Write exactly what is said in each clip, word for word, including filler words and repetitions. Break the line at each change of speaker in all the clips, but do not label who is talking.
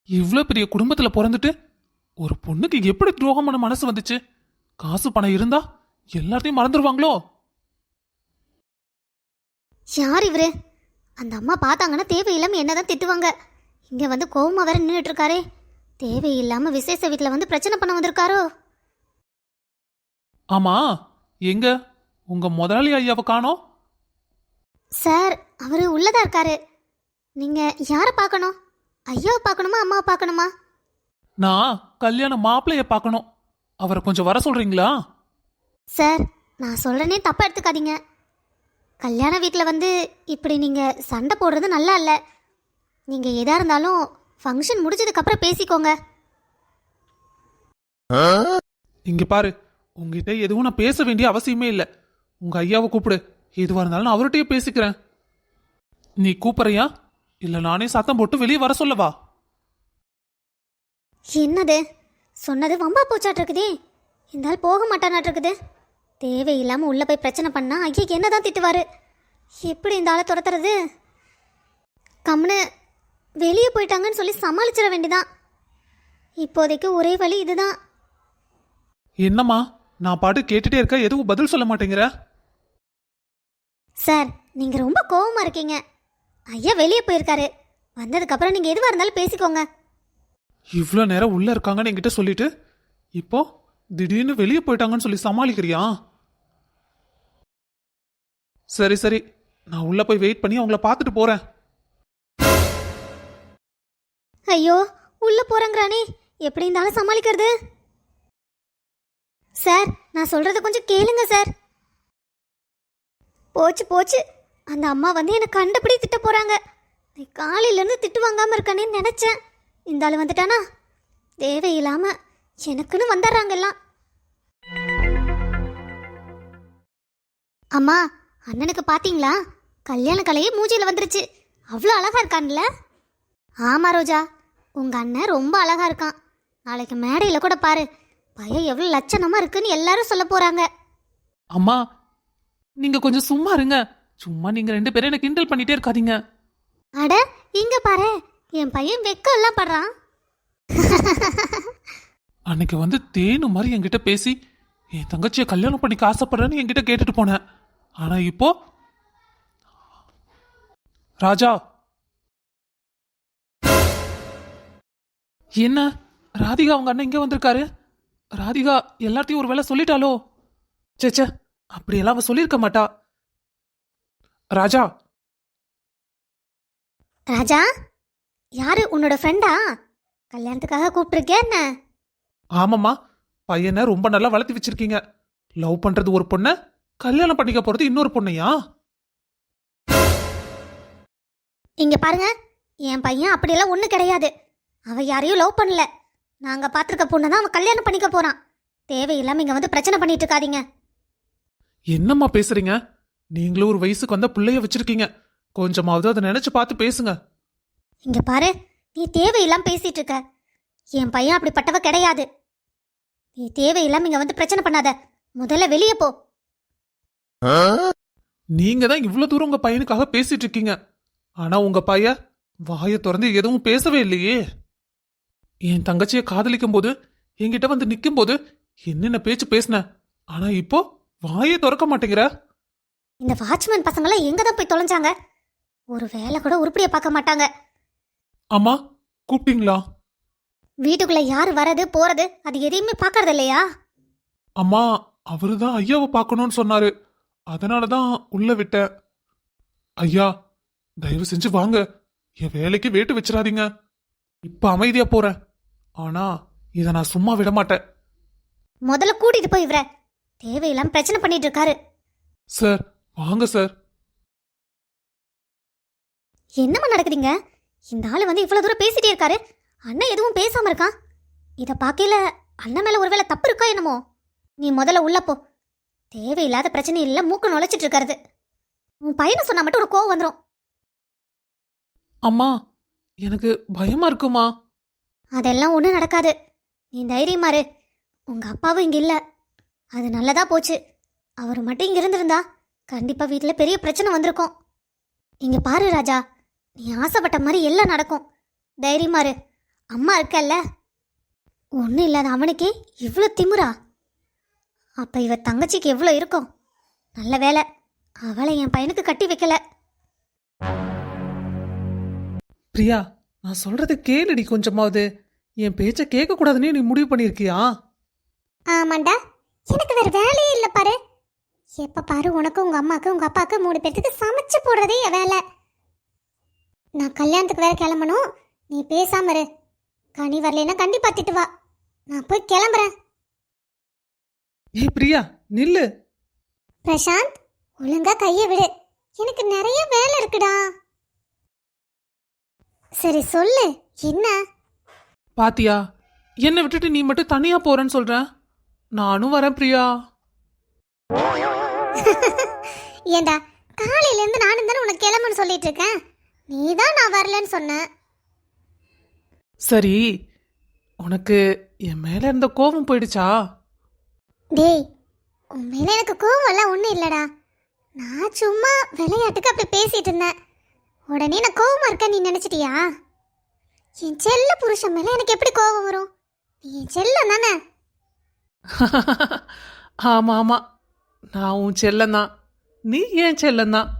இவ்ளோ பெரிய குடும்பத்துல பிறந்துட்டு ஒரு பொண்ணுக்கு எப்படி துரோகமான மனசு வந்துச்சு? காசு பணம் இருந்தா எல்லாத்தையும் மறந்துடுவாங்களோ?
யார் இவரு? அந்த அம்மா பார்த்தாங்கன்னா தேவையில்லாம என்னதான் திட்டுவாங்க. இங்க வந்து கோவமா வேற நின்றுட்டு இருக்காரே. தேவையில்லாம விசேஷ வீட்டில் வந்து பிரச்சனை பண்ண வந்திருக்காரோ?
ஆமா, எங்க உங்க முதலாளி ஐயாவை காணோம்?
சார், அவரு உள்ளதா இருக்காரு. நீங்க யாரை பார்க்கணும்? ஐயாவை பார்க்கணுமா அம்மாவை பார்க்கணுமா?
நான் கல்யாண மாப்பிள்ளைய பார்க்கணும். அவரை கொஞ்சம் வர சொல்றீங்களா?
சார், நான் சொல்றேனே தப்பா எடுத்துக்காதீங்க. கல்யாண வீட்டில் வந்து இப்படி நீங்கள் சண்டை போடுறது நல்லா இல்லை. நீங்கள் எதா இருந்தாலும் ஃபங்க்ஷன் முடிஞ்சதுக்கப்புறம் பேசிக்கோங்க.
இங்க பாரு, உங்ககிட்ட எதுவும் நான் பேச வேண்டிய அவசியமே இல்லை. உங்க ஐயாவை கூப்பிடு, எதுவாக இருந்தாலும் நான் அவர்கிட்டயே பேசிக்கிறேன். நீ கூப்பிடுறியா இல்லை நானே சத்தம் போட்டு வெளியே வர சொல்லவா?
என்னது சொன்னது வம்பா போச்சாட்டிருக்குதே. இந்த ஆள் போக மாட்டானாட்டிருக்குது. தேவையில்லாமல் உள்ளே போய் பிரச்சனை பண்ணா ஐயா என்ன தான் திட்டுவார். எப்படி இந்த ஆளை துரத்துறது? கம்னு வெளியே போயிட்டாங்கன்னு சொல்லி சமாளிச்சிட வேண்டிதான். இப்போதைக்கு ஒரே வழி இதுதான்.
என்னம்மா, நான் பாட்டு கேட்டுட்டே இருக்க, எதுவும் பதில் சொல்ல மாட்டேங்கிற?
சார், நீங்கள் ரொம்ப கோவமாக இருக்கீங்க. ஐயா வெளியே போயிருக்காரு. வந்ததுக்கப்புறம் நீங்கள் எதுவாக இருந்தாலும் பேசிக்கோங்க.
இவ்வளோ நேரம் உள்ள இருக்காங்கன்னு என்கிட்ட சொல்லிட்டு இப்போ திடீர்னு வெளியே போயிட்டாங்கன்னு சொல்லி சமாளிக்கிறியா? சரி சரி, நான் உள்ள போய் வெயிட் பண்ணி அவங்கள பார்த்துட்டு போறேன்.
ஐயோ, உள்ள போறேங்கிறானே, எப்படி இருந்தாலும் சமாளிக்கிறது? சார், நான் சொல்றத கொஞ்சம் கேளுங்க சார். போச்சு போச்சு, அந்த அம்மா வந்து என்னை கண்டபடி திட்ட போறாங்க. காலையிலேருந்து திட்டு வாங்காம இருக்கானேன்னு நினைச்சேன். இந்த ஆள் வந்துட்டானா? தேவையில்லாம எனக்குன்னு வந்துடுறாங்க எல்லாம். அம்மா, அண்ணனுக்கு பாத்தீங்களா? கல்யாண கலையே மூஞ்சியில் வந்துருச்சு. அவ்வளோ அழகா இருக்கான்ல? ஆமா ரோஜா, உங்க அண்ணன் ரொம்ப அழகா இருக்கான். நாளைக்கு மேடையில் கூட பாரு, பையன் எவ்வளோ லட்சணமா இருக்குன்னு எல்லாரும் சொல்ல போறாங்க.
அம்மா, நீங்க கொஞ்சம் சும்மா இருங்க. சும்மா நீங்க ரெண்டு பேரும் என்ன கிண்டல் பண்ணிட்டே இருக்காதீங்க.
அட, இங்க பாரு, என் பையன் வெக்கம் எல்லாம் படுறான்.
அன்னைக்கு வந்து தேனு மாதிரி என்கிட்ட பேசி என் தங்கச்சியை கல்யாணம் பண்ணிக்க ஆசைப்படுறேன்னு என்கிட்ட கேட்டுட்டு போனேன். ஆனா இப்போ ராஜா, என்ன ராதிகா அவங்க அண்ணன் இங்க வந்திருக்காரு? ராதிகா எல்லாத்தையும் ஒரு வேளை சொல்லிட்டாலோ? சேச்சே, அப்படியெல்லாம் அவ சொல்லியிருக்க மாட்டா. ராஜா
ராஜா, யாரு உன்னோட ஃப்ரெண்டா? கல்யாணத்துக்காக கூப்பிட்டுருக்கேன் என்ன?
ஆமாம்மா, பையனை ரொம்ப நல்லா வளர்த்தி வச்சிருக்கீங்க. லவ் பண்றது ஒரு பொண்ணை, கல்யாணம் பண்ணிக்க போறது இன்னொரு பொண்ணையா?
இங்க பாருங்க, என் பையன் அப்படியெல்லாம் ஒன்றும் கிடையாது. அவ யாரையும் லவ் பண்ணல. நாங்க பார்த்துருக்க பொண்ணை தான் அவன் கல்யாணம் பண்ணிக்க போறான். தேவையில்லாம இங்க வந்து பிரச்சனை பண்ணிட்டு இருக்காதீங்க.
என்னம்மா பேசுறீங்க? நீங்களும் ஒரு வயசுக்கு வந்த பிள்ளைய வச்சிருக்கீங்க. கொஞ்சமாவது அதை நினைச்சு பார்த்து பேசுங்க.
இங்க பாரு, நீ தேவையில்லாம பேசிட்டு இருக்க. என் பையன் அப்படிப்பட்டவ கிடையாது. நீ தேவையில்லாம இங்க வந்து பிரச்சனை பண்ணாத. முதல்ல வெளியே போ.
நீங்க தான் இவ்வளவு தூரம் உங்க பையனுக்காக பேசிட்டு இருக்கீங்க. ஆனா உங்க பையன் வாயை திறந்து எதுவும் பேசவே இல்லையே. என் தங்கச்சியை காதலிக்கும் போது என்கிட்ட வந்து நிக்கும் போது என்னென்ன பேச்சு பேசின, ஆனா இப்போ வாயை திறக்க மாட்டேங்கிற.
இந்த வாட்ச்மேன் பசங்களாம் எங்க தான் போய் தொலைஞ்சாங்க? ஒரு வேலை கூட உருப்படியா பார்க்க மாட்டாங்க.
அம்மா, கூப்பிட்டீங்களா?
வீட்டுக்குள்ள யார் வரது போறது அது எதையுமே பார்க்கறது இல்லையா?
அம்மா, அவருதான் ஐயாவை பார்க்கணும்னு சொன்னாரு, அதனாலதான் உள்ள விட்டேன். ஐயா, தயவு செஞ்சு வாங்க, என் வேலைக்கு வேட்டு வச்சிடாதீங்க. இப்ப அமைதியா போறேன், ஆனா இதை நான் சும்மா விட மாட்டேன்.
முதல்ல கூட்டிட்டு போய் இவர, தேவையில்லாம பிரச்சனை பண்ணிட்டு இருக்காரு.
சார், வாங்க சார்.
என்னம்மா நடக்குதுங்க? இந்த ஆளு வந்து இவ்வளவு தூரம் பேசிட்டே இருக்காரு, அண்ணன் எதுவும் பேசாம இருக்கான். இத பாக்கையில அண்ணன் மேல ஒருவேளை தப்பு இருக்கா என்னமோ? நீ முதல்ல உள்ள போ. தேவையில்லாத பிரச்சனை இல்ல மூக்க நுழைச்சிட்டு இருக்காரு. உன் பையனை சொன்னா மட்டும் ஒரு கோவம் வந்துடும்.
அம்மா, எனக்கு பயமா இருக்குமா?
அதெல்லாம் ஒன்றும் நடக்காது. நீ தைரியமாரு. உங்க அப்பாவும் இங்க இல்ல, அது நல்லதா போச்சு. அவர் மட்டும் இங்க இருந்திருந்தா கண்டிப்பா வீட்டுல பெரிய பிரச்சனை வந்திருக்கும். இங்க பாரு ராஜா, நீ ஆசைப்பட்ட மாதிரி எல்லாம் நடக்கும். தைரியமாரு. அம்மா இருக்கல்ல. ஒன்றும் இல்லாத அவனுக்கே இவ்வளோ திமிரா? அப்போ இவ தங்கச்சிக்கு எவ்வளோ இருக்கும்? நல்ல வேலை அவளை என் பையனுக்கு கட்டி வைக்கல.
பிரியா, நான் சொல்றது கேளுடி கொஞ்சமாவது. என் பேச்ச கேட்க கூடாதுன்னு நீ முடிவு பண்ணிருக்கியா?
ஆமாண்டா, எனக்கு வேற வேலையே இல்லை பாரு. எப்போ பாரு உனக்கு உங்கள் அம்மாவுக்கு உங்கள் அப்பாவுக்கு மூணு பேர்த்துக்கு சமைச்சு போடுறதே என் வேலை. நான் கல்யாணத்துக்கு வேற கிளம்பணும். நீ பேசாம இரு. கனி வரலைன்னா கண்டிப்பா திட்டு வா. நான் போய் கிளம்புறேன்.
ஏய் பிரியா, நில்லு.
பிரசாந்த், ஒழுங்கா கையை விடு. எனக்கு நிறைய வேலை இருக்குடா. சரி சொல்லு, என்ன?
பாத்தியா, என்னை விட்டுட்டு நீ மட்டும் தனியா போறேன்னு சொல்ற. நானும் வரேன் பிரியா.
ஏண்டா, காலையில இருந்து நானும் தானே உனக்கு கிளம்புன்னு சொல்லிட்டு இருக்கேன். நீ தான் நான் வரலன்னு சொன்ன.
சரி, உனக்கு என் மேல இருந்த கோபம் போயிடுச்சா?
டேய், உன் மேல எனக்கு கோவம் எல்லாம் ஒன்றும் இல்லடா. நான் சும்மா விளையாட்டுக்கு அப்படி பேசிட்டு இருந்தேன். உடனே நான் கோவமா இருக்கேன் நீ நினைச்சிட்டியா? என் செல்ல புருஷன் மேல எனக்கு எப்படி கோவம் வரும்? நீ என் செல்லம் தானே.
ஆமா ஆமா, நான் உன் செல்லந்தான், நீ ஏன் செல்லந்தான்.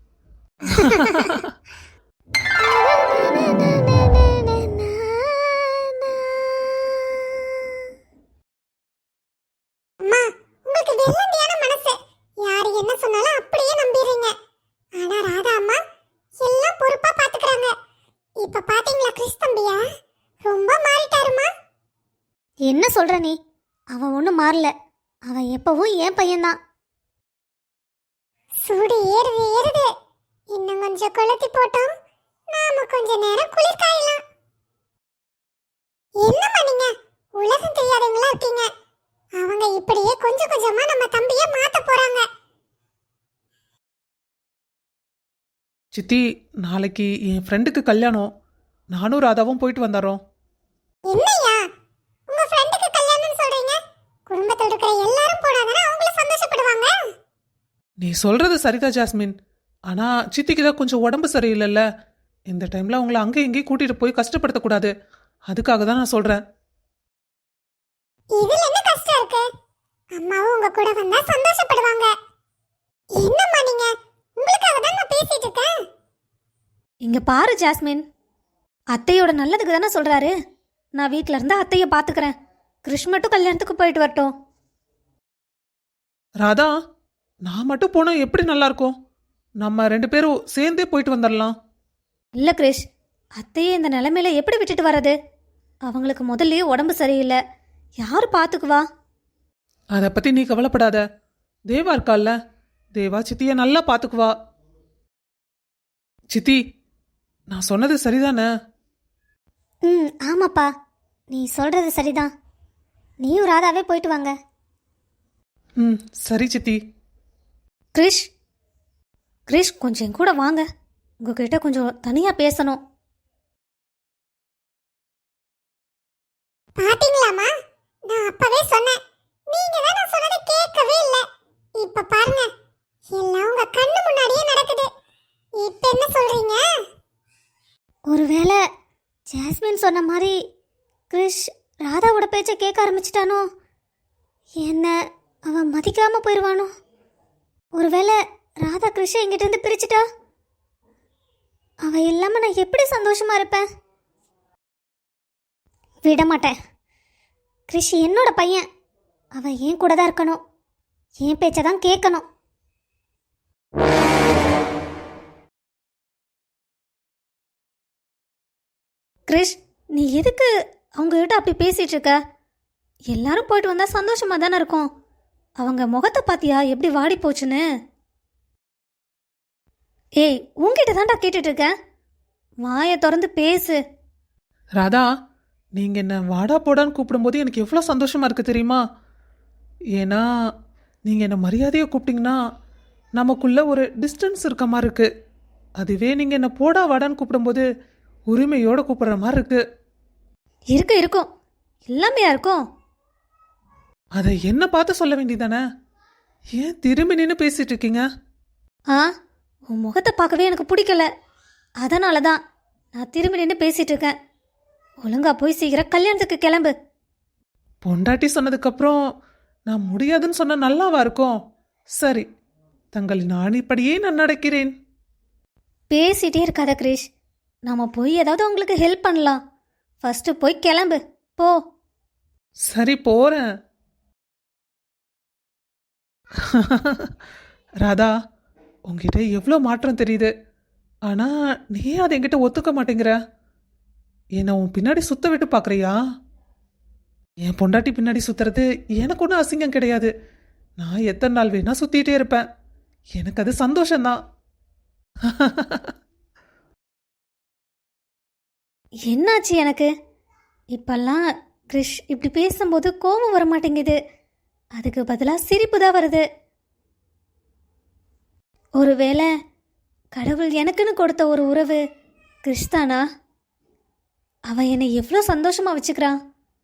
அம்மா, உங்களுக்கு வெள்ளந்தியான மனசு. யாரு என்ன சொன்னாலும் அப்படியே நம்பிடுறீங்க. ஆனா ராதா அம்மா எல்லாம் பொறுப்பா பாத்துக்கறாங்க. இப்ப பாத்தீங்களா கிறிஸ் தம்பியா? ரொம்ப மாறிட்டாருமா. என்ன சொல்ற நீ? அவன் ஒன்றும் மாறல. அவன் எப்பவும் என் பையன்தான். சூடு ஏறுது ஏறுது. இன்னும் கொஞ்சம் கொளுத்தி போட்டோம், நாம கொஞ்ச நேரம் குளிர் காயலாம். என்னம்மா நீங்க உலகம் தெரியாதவங்களா இருக்கீங்க. அவங்க இப்படியே கொஞ்சம் கொஞ்சமா நம்ம தம்பியை மாத்த போறாங்க.
சித்தி, நாளைக்கு என் ஃப்ரெண்டுக்கு கல்யாணம். நானும் ராதாவும் போயிட்டு வந்தாரோம்.
என்னையா உங்க ஃப்ரெண்டுக்கு கல்யாணம்னு சொல்றீங்க? குடும்பத்தோட இருக்கிற எல்லாரும் போனாதானே அவங்கள சந்தோஷப்படுவாங்க.
நீ சொல்றது சரிதான் ஜாஸ்மின். ஆனா சித்திக்கு தான் கொஞ்சம் உடம்பு சரியில்லைல்ல. இந்த டைம்ல அவங்கள அங்கே இங்கேயும் கூட்டிட்டு போய் கஷ்டப்படுத்தக்கூடாது. அதுக்காக தான் நான் சொல்றேன்.
இதுல என்ன கஷ்டம் இருக்கு? அம்மாவும் உங்க கூட வந்தா சந்தோஷப்படுவாங்க. என்னம்மா நீங்க? உங்களுக்காக தான் நான் பேசிட்டு இருக்கேன்.
இங்க பாரு ஜாஸ்மின், அத்தையோட நல்லதுக்கு தானே சொல்றாரு. நான் வீட்ல இருந்து அத்தையை பாத்துக்கிறேன். கிருஷ் மட்டும் கல்யாணத்துக்கு போயிட்டு வரட்டும்.
ராதா, நான் மட்டும் போனா எப்படி நல்லா இருக்கும்? நம்ம ரெண்டு பேரும் சேர்ந்தே போயிட்டு வந்துடலாம்.
இல்ல கிருஷ், அத்தையை இந்த நிலைமையில எப்படி விட்டுட்டு வர்றது? அவங்களுக்கு முதல்லயே உடம்பு சரியில்லை. யாரு பாத்துக்குவா?
அதை பத்தி நீ கவலைப்படாத. தேவா இருக்கால்ல, தேவா சித்திய நல்லா பாத்துக்குவா. சித்தி, நான் சொன்னது சரிதானே?
ம், ஆமாப்பா, நீ சொல்றது சரிதான். நீயும் ராதாவே போயிட்டு வாங்க.
ம், சரி சித்தி.
கிருஷ், கிருஷ் கொஞ்சம் என் கூட வாங்க. உங்ககிட்ட கொஞ்சம் தனியா பேசணும்.
பாத்தீங்களாமா, நான் அப்பவே சொன்னேன். நீங்க தான் நான் சொன்னதை கேட்கவே இல்ல. இப்ப பாருங்க, எல்லாம் உங்க கண்ணு முன்னாடியே நடக்குது. இப்ப என்ன சொல்றீங்க? ஒருவேளை ஜாஸ்மின் சொன்ன மாதிரி கிறிஷ் ராதாவோட பேச்சை கேட்க ஆரம்பிச்சிட்டானோ? என்ன அவன் மதிக்காம போயிடுவானோ? ஒருவேளை ராதா கிறிஷை என்கிட்ட இருந்து பிரிச்சுட்டா, அவ இல்லாம நான் எப்படி சந்தோஷமா இருப்பேன்? விட மாட்டேன். கிறிஷ் என்னோட பையன். அவன் என் கூட தான் இருக்கணும். என் பேச்சை தான் கேட்கணும்.
கிருஷ், நீ எதுக்கு அவங்க கிட்ட அப்படி பேசிட்டு இருக்க? எல்லாரும் போயிட்டு வந்தா சந்தோஷமா தானே இருக்கும். அவங்க முகத்தை பாத்தியா எப்படி வாடி போச்சுன்னு? ஏய், உன்கிட்ட தான்டா கேட்டுட்டு இருக்கேன். வாயை திறந்து பேசு.
ராதா, நீங்க என்ன வாடா போடான்னு கூப்பிடும்போது எனக்கு எவ்வளோ சந்தோஷமா இருக்கு தெரியுமா? ஏன்னா நீங்க என்ன மரியாதையை கூப்பிட்டீங்கன்னா நமக்குள்ள ஒரு டிஸ்டன்ஸ் இருக்க மாதிரி இருக்கு. அதுவே நீங்க என்ன போடா வாடான்னு கூப்பிடும்போது உரிமையோட கூப்பிடுற மாதிரி இருக்கு.
இருக்கும் இருக்கும், எல்லாமையா இருக்கும்.
அதை என்ன பார்த்து சொல்ல வேண்டியதானே? ஏன் திரும்பி நின்று பேசிட்டு இருக்கீங்க?
ஆ, உன் முகத்தை பார்க்கவே எனக்கு பிடிக்கல. அதனால தான் நான் திரும்பி நின்று பேசிட்டு இருக்கேன். ஒழுங்கா போய் சீக்கிரம் கல்யாணத்துக்கு கிளம்பு.
பொண்டாட்டி சொன்னதுக்கப்புறம் நான் முடியாதுன்னு சொன்ன நல்லாவா இருக்கும்? சரி, தங்களின் ஆணிப்படியே நான் நடக்கிறேன்.
பேசிட்டே இருக்காத கிரிஷ். நாம போய் ஏதாவது உங்களுக்கு ஹெல்ப் பண்ணலாம். ஃபர்ஸ்ட் போய் கிளம்பு போ.
சரி, போறேன். ராதா, உங்ககிட்ட எவ்வளோ மாற்றம் தெரியுது. ஆனா நீ அதை என்கிட்ட ஒத்துக்க மாட்டேங்கிற. என்னை உன் பின்னாடி சுத்த விட்டு பார்க்குறியா? என் பொண்டாட்டி பின்னாடி சுத்துறது எனக்கு ஒன்றும் அசிங்கம் கிடையாது. நான் எத்தனை நாள் வேணா சுத்திட்டே இருப்பேன். எனக்கு அது சந்தோஷம்தான்.
என்னாச்சு எனக்கு? இப்பெல்லாம் கிரிஷ் இப்படி பேசும்போது கோபம் வர மாட்டேங்குது. அதுக்கு பதிலாக சிரிப்பு தான் வருது. ஒருவேளை கடவுள் எனக்குன்னு கொடுத்த ஒரு உறவு கிரிஷ் தானா? அவன் என்னை எவ்வளோ சந்தோஷமா வச்சுக்கிறான்.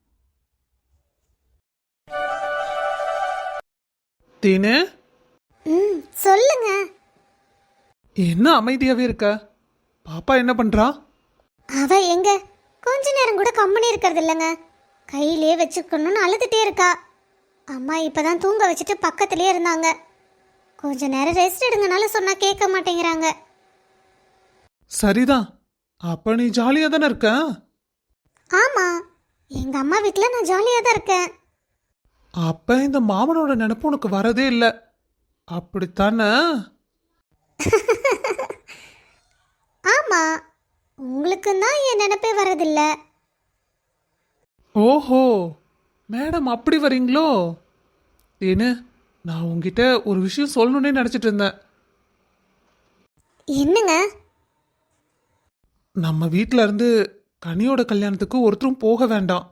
தீனு,
ம் சொல்லுங்க.
என்ன அமைதியாவே இருக்க? பாப்பா என்ன பண்றா?
அவ எங்க கொஞ்ச நேரம் கூட கம்பெனி இருக்கிறது இல்லைங்க. கையிலே வச்சுக்கணும்னு அழுதுட்டே இருக்கா. அம்மா இப்பதான் தூங்க வச்சுட்டு பக்கத்துலேயே இருந்தாங்க. கொஞ்ச நேரம் ரெஸ்ட் எடுங்கனால சொன்னா கேட்க மாட்டேங்கிறாங்க.
சரிதான், அப்ப நீ ஜாலியா தானே இருக்க?
ஆமா, எங்க அம்மா வீட்டில் நான் ஜாலியாக தான் இருக்கேன்.
அப்ப இந்த மாமனோட நினைப்பு உனக்கு வரதே இல்லை, அப்படித்தானே?
ஆமா, உங்களுக்கு தான் என் நினைப்பே வரதில்லை.
ஓஹோ, மேடம் அப்படி வரீங்களோ? ஏன்னு நான் உங்ககிட்ட ஒரு விஷயம் சொல்லணுன்னே நினச்சிட்டு இருந்தேன்.
என்னங்க?
நம்ம வீட்டில் இருந்து கனியோட கல்யாணத்துக்கு ஒருத்தரும் போக வேண்டாம்.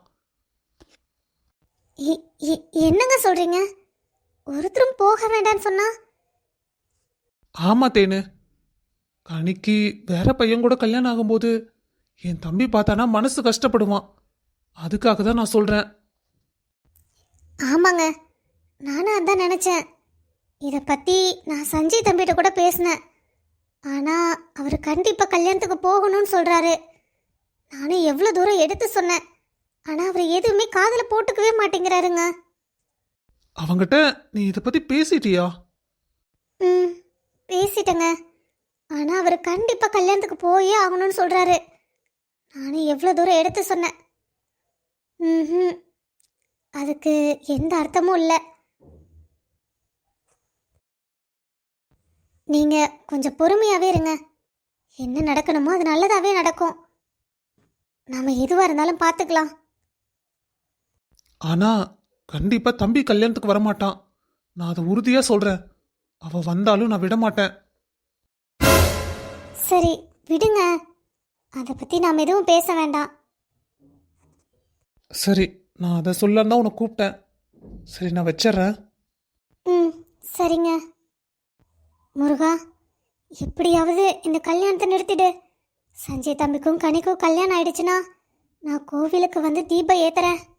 எ- எ- என்னங்க சொல்றீங்க? ஒருத்தரும் போக வேண்டாம்னு சொன்னா?
ஆமா தேனு, கனிக்கு வேற பையன் கூட கல்யாணம் ஆகும்போது என் தம்பி பார்த்தானா மனசு கஷ்டப்படுவான். அதுக்காக தான் நான் சொல்கிறேன்.
ஆமாங்க, நானும் அதான் நினச்சேன். இதை பற்றி நான் சஞ்சய் தம்பிகிட்ட கூட பேசினேன். ஆனால் அவர் கண்டிப்பாக கல்யாணத்துக்கு போகணும்னு சொல்கிறாரு. நானும் எவ்வளோ தூரம் எடுத்து சொன்னேன். ஆனால் அவர் எதுவுமே காதில் போட்டுக்கவே மாட்டேங்கிறாருங்க.
அவங்கிட்ட நீ இதை பற்றி பேசிட்டியா?
ம் பேசிட்டேங்க. ஆனால் அவர் கண்டிப்பாக கல்யாணத்துக்கு போயே ஆகணும்னு சொல்கிறாரு. நானும் எவ்வளோ தூரம் எடுத்து சொன்னேன். ம் அதுக்கு எந்த அர்த்தமும் இல்லை. நீங்கள் கொஞ்சம் பொறுமையாகவே இருங்க. என்ன நடக்கணுமோ அது நல்லதாகவே நடக்கும். நாம் எதுவாக இருந்தாலும் பார்த்துக்கலாம்.
ஆனா கண்டிப்பா தம்பி கல்யாணத்துக்கு வரமாட்டான். நான் அதை உறுதியா சொல்றேன். அவ வந்தாலும் நான் விட மாட்டேன்.
சரி விடுங்க, அதை பற்றி நாம் எதுவும் பேச வேண்டாம்.
சரி, நான் அதை சொல்லலாம் தான் உன்னை கூப்பிட்டேன். சரி, நான் வச்சிட்றேன்.
ம் சரிங்க. முருகா, எப்படியாவது இந்த கல்யாணத்தை நிறுத்திடு. சஞ்சய் தம்பிக்கும் கனிக்கும் கல்யாணம் ஆயிடுச்சுன்னா நான் கோவிலுக்கு வந்து தீபம் ஏத்துறேன்.